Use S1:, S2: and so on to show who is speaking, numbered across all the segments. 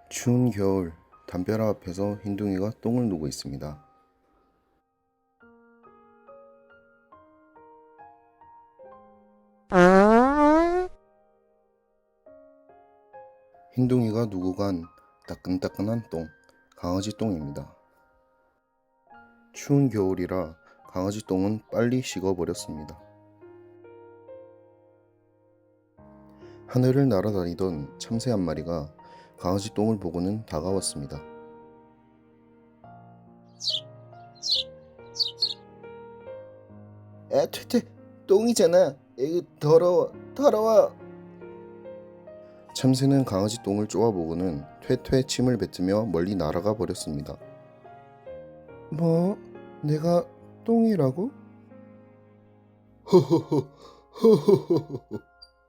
S1: 추운 겨울, 담벼락 앞에서 흰둥이가 똥을 누고 있습니다. 흰둥이가 누고 간 따끈따끈한 똥, 강아지 똥입니다. 추운 겨울이라 강아지 똥은 빨리 식어버렸습니다. 하늘을 날아다니던 참새 한 마리가 강아지 똥을 보고는 다가왔습니다. 아, 퇴퇴, 똥이잖아. 에이, 더러워. 참새는 강아지 똥을 쪼아보고는 퇴퇴 침을 뱉으며 멀리 날아가 버렸습니다. 뭐? 내가 똥이라고? 허허허.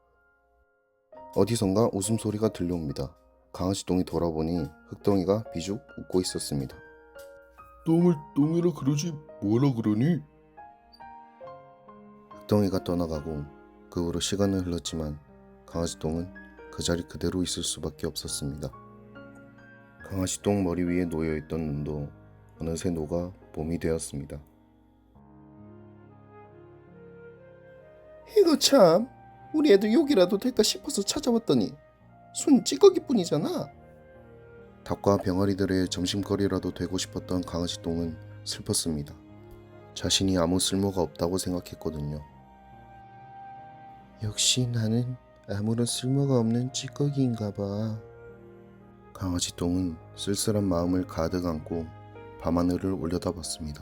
S1: 어디선가 웃음소리가 들려옵니다. 강아지 똥이 돌아보니 흙덩이가 비죽 웃고 있었습니다.
S2: 똥을 똥이라 그러지 뭐라 그러니?
S1: 흙덩이가 떠나가고 그 후로 시간은 흘렀지만 강아지 똥은 그 자리 그대로 있을 수밖에 없었습니다. 강아지 똥 머리 위에 놓여있던 눈도 어느새 녹아 봄이 되었습니다. 이거 참, 우리 애들 욕이라도 될까 싶어서 찾아왔더니 순 찌꺼기뿐이잖아. 닭과 병아리들의 점심거리라도 되고 싶었던 강아지 똥은 슬펐습니다. 자신이 아무 쓸모가 없다고 생각했거든요. 역시 나는 아무런 쓸모가 없는 찌꺼기인가 봐. 강아지 똥은 쓸쓸한 마음을 가득 안고 밤하늘을 올려다봤습니다.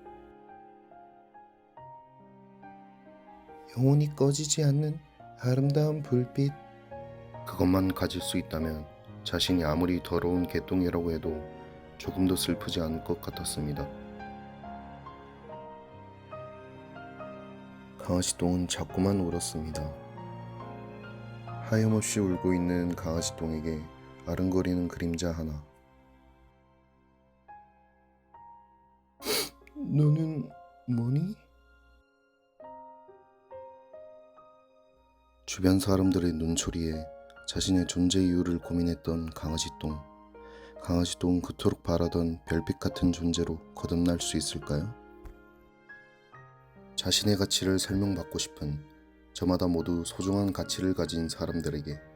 S1: 영원히 꺼지지 않는 아름다운 불빛. 그것만 가질 수 있다면 자신이 아무리 더러운 개똥이라고 해도 조금도 슬프지 않을 것 같았습니다. 강아지 똥은 자꾸만 울었습니다. 하염없이 울고 있는 강아지 똥에게 아른거리는 그림자 하나. 너는 뭐니? 주변 사람들의 눈초리에 자신의 존재 이유를 고민했던 강아지 똥. 강아지 똥은 그토록 바라던 별빛 같은 존재로 거듭날 수 있을까요? 자신의 가치를 설명받고 싶은 저마다 모두 소중한 가치를 가진 사람들에게